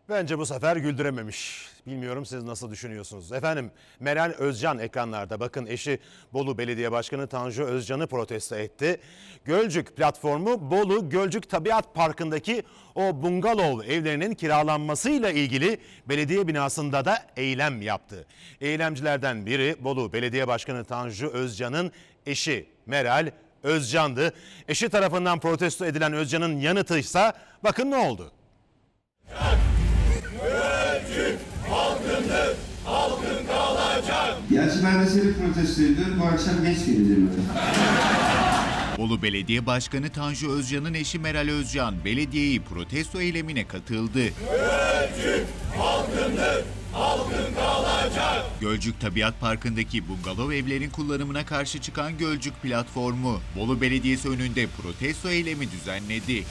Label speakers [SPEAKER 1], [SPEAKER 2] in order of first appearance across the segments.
[SPEAKER 1] Bence bu sefer güldürememiş. Bilmiyorum siz nasıl düşünüyorsunuz? Efendim Meral Özcan ekranlarda. Bakın eşi Bolu Belediye Başkanı Tanju Özcan'ı protesto etti. Gölcük platformu Bolu Gölcük Tabiat Parkı'ndaki o bungalov evlerinin kiralanmasıyla ilgili belediye binasında da eylem yaptı. Eylemcilerden biri Bolu Belediye Başkanı Tanju Özcan'ın eşi Meral Özcan'dı. Eşi tarafından protesto edilen Özcan'ın yanıtıysa bakın ne oldu?
[SPEAKER 2] Gölcük halkındır, halkın kalacak.
[SPEAKER 3] Gerçi ben de seni protesto ediyorum. Bu akşam geç geleceğim.
[SPEAKER 4] Bolu Belediye Başkanı Tanju Özcan'ın eşi Meral Özcan belediyeyi protesto eylemine katıldı.
[SPEAKER 2] Gölcük halkındır, halkın kalacak.
[SPEAKER 4] Gölcük Tabiat Parkı'ndaki bungalov evlerin kullanımına karşı çıkan Gölcük platformu Bolu Belediyesi önünde protesto eylemi düzenledi.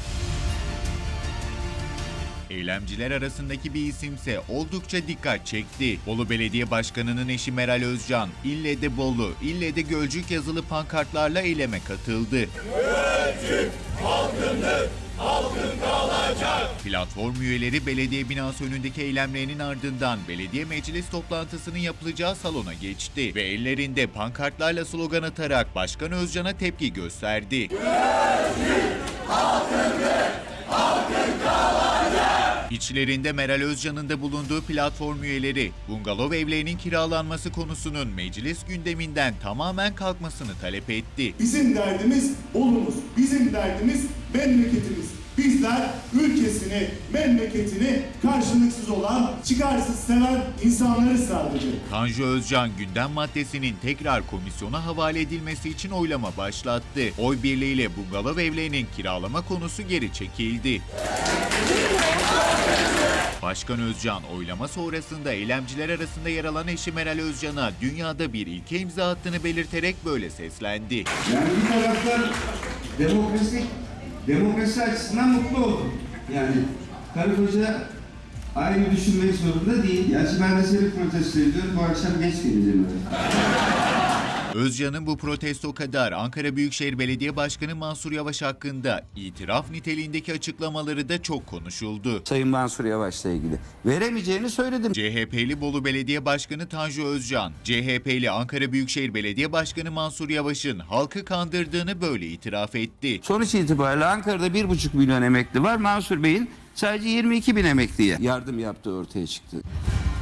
[SPEAKER 4] Eylemciler arasındaki bir isimse oldukça dikkat çekti. Bolu Belediye Başkanı'nın eşi Meral Özcan, ille de Bolu, ille de Gölcük yazılı pankartlarla eyleme katıldı.
[SPEAKER 2] Gölcük halkındır, halkın kalacak.
[SPEAKER 4] Platform üyeleri belediye binası önündeki eylemlerinin ardından belediye meclis toplantısının yapılacağı salona geçti ve ellerinde pankartlarla slogan atarak Başkan Özcan'a tepki gösterdi.
[SPEAKER 2] Gölcük halkındır, halkın kalacak.
[SPEAKER 4] İçlerinde Meral Özcan'ın da bulunduğu platform üyeleri, bungalov evlerinin kiralanması konusunun meclis gündeminden tamamen kalkmasını talep etti.
[SPEAKER 5] Bizim derdimiz Bolu'muz, bizim derdimiz memleketimiz. Bizler ülkesini, memleketini karşılıksız olan, çıkarsız seven insanları sadece.
[SPEAKER 4] Tanju Özcan gündem maddesinin tekrar komisyona havale edilmesi için oylama başlattı. Oy birliğiyle bungalov evlerinin kiralama konusu geri çekildi. Başkan Özcan oylama sonrasında eylemciler arasında yer alan eşi Meral Özcan'a dünyada bir ilke imza attığını belirterek böyle seslendi.
[SPEAKER 3] Yani bir taraftan demokrasi açısından mutlu oldum. Yani karı koca aynı düşünmek zorunda değil. Gerçi ben de seni protesto ediyorum. Bu akşam geç geleceğim.
[SPEAKER 4] Özcan'ın bu protesto kadar Ankara Büyükşehir Belediye Başkanı Mansur Yavaş hakkında itiraf niteliğindeki açıklamaları da çok konuşuldu.
[SPEAKER 6] Sayın Mansur Yavaş'la ilgili veremeyeceğini söyledim.
[SPEAKER 4] CHP'li Bolu Belediye Başkanı Tanju Özcan, CHP'li Ankara Büyükşehir Belediye Başkanı Mansur Yavaş'ın halkı kandırdığını böyle itiraf etti.
[SPEAKER 6] Sonuç itibariyle Ankara'da 1,5 milyon emekli var. Mansur Bey'in sadece 22 bin emekliye yardım yaptığı ortaya çıktı.